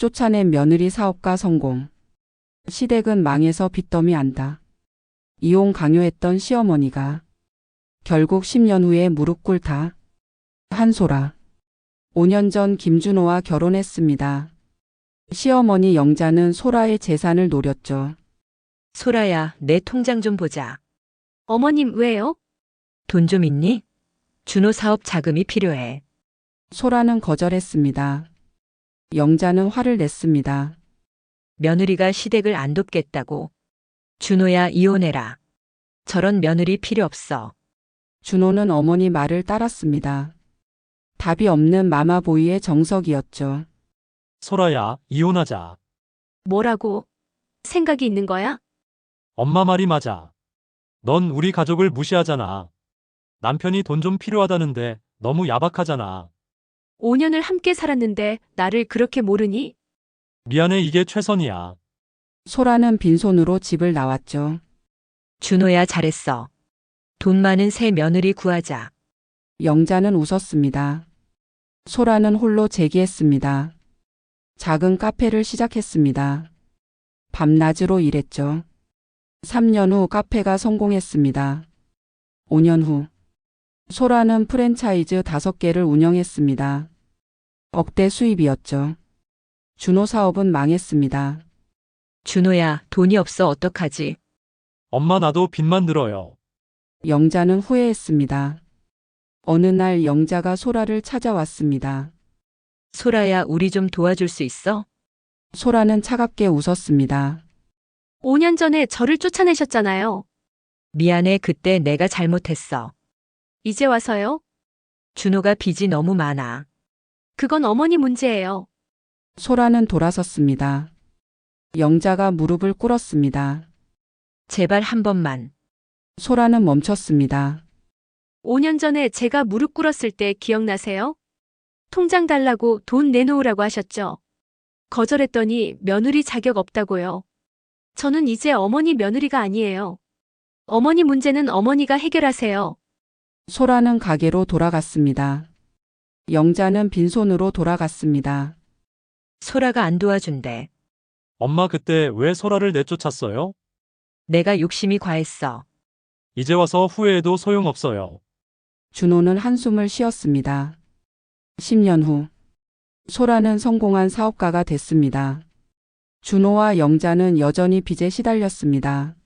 쫓아낸 며느리 사업가 성공. 시댁은 망해서 빚더미 안다. 이혼 강요했던 시어머니가 결국 10년 후에 무릎 꿇다. 한소라. 5년 전 김준호와 결혼했습니다. 시어머니 영자는 소라의 재산을 노렸죠. 소라야, 내 통장 좀 보자. 어머님, 왜요? 돈 좀 있니? 준호 사업 자금이 필요해. 소라는 거절했습니다. 영자는 화를 냈습니다. 며느리가 시댁을 안 돕겠다고. 준호야, 이혼해라. 저런 며느리 필요 없어. 준호는 어머니 말을 따랐습니다. 답이 없는 마마보이의 정석이었죠. 소라야, 이혼하자. 뭐라고? 생각이 있는 거야? 엄마 말이 맞아. 넌 우리 가족을 무시하잖아. 남편이 돈 좀 필요하다는데 너무 야박하잖아. 5년을 함께 살았는데 나를 그렇게 모르니? 미안해, 이게 최선이야. 소라는 빈손으로 집을 나왔죠. 준호야, 잘했어. 돈 많은 새 며느리 구하자. 영자는 웃었습니다. 소라는 홀로 재기했습니다. 작은 카페를 시작했습니다. 밤낮으로 일했죠. 3년 후 카페가 성공했습니다. 5년 후 소라는 프랜차이즈 5개를 운영했습니다. 억대 수입이었죠. 준호 사업은 망했습니다. 준호야, 돈이 없어 어떡하지? 엄마, 나도 빚만 늘어요. 영자는 후회했습니다. 어느 날 영자가 소라를 찾아왔습니다. 소라야, 우리 좀 도와줄 수 있어? 소라는 차갑게 웃었습니다. 5년 전에 저를 쫓아내셨잖아요. 미안해, 그때 내가 잘못했어. 이제 와서요? 준호가 빚이 너무 많아. 그건 어머니 문제예요. 소라는 돌아섰습니다. 영자가 무릎을 꿇었습니다. 제발 한 번만. 소라는 멈췄습니다. 5년 전에 제가 무릎 꿇었을 때 기억나세요? 통장 달라고 돈 내놓으라고 하셨죠? 거절했더니 며느리 자격 없다고요. 저는 이제 어머니 며느리가 아니에요. 어머니 문제는 어머니가 해결하세요. 소라는 가게로 돌아갔습니다. 영자는 빈손으로 돌아갔습니다. 소라가 안 도와준대. 엄마, 그때 왜 소라를 내쫓았어요? 내가 욕심이 과했어. 이제 와서 후회해도 소용없어요. 준호는 한숨을 쉬었습니다. 10년 후 소라는 성공한 사업가가 됐습니다. 준호와 영자는 여전히 빚에 시달렸습니다.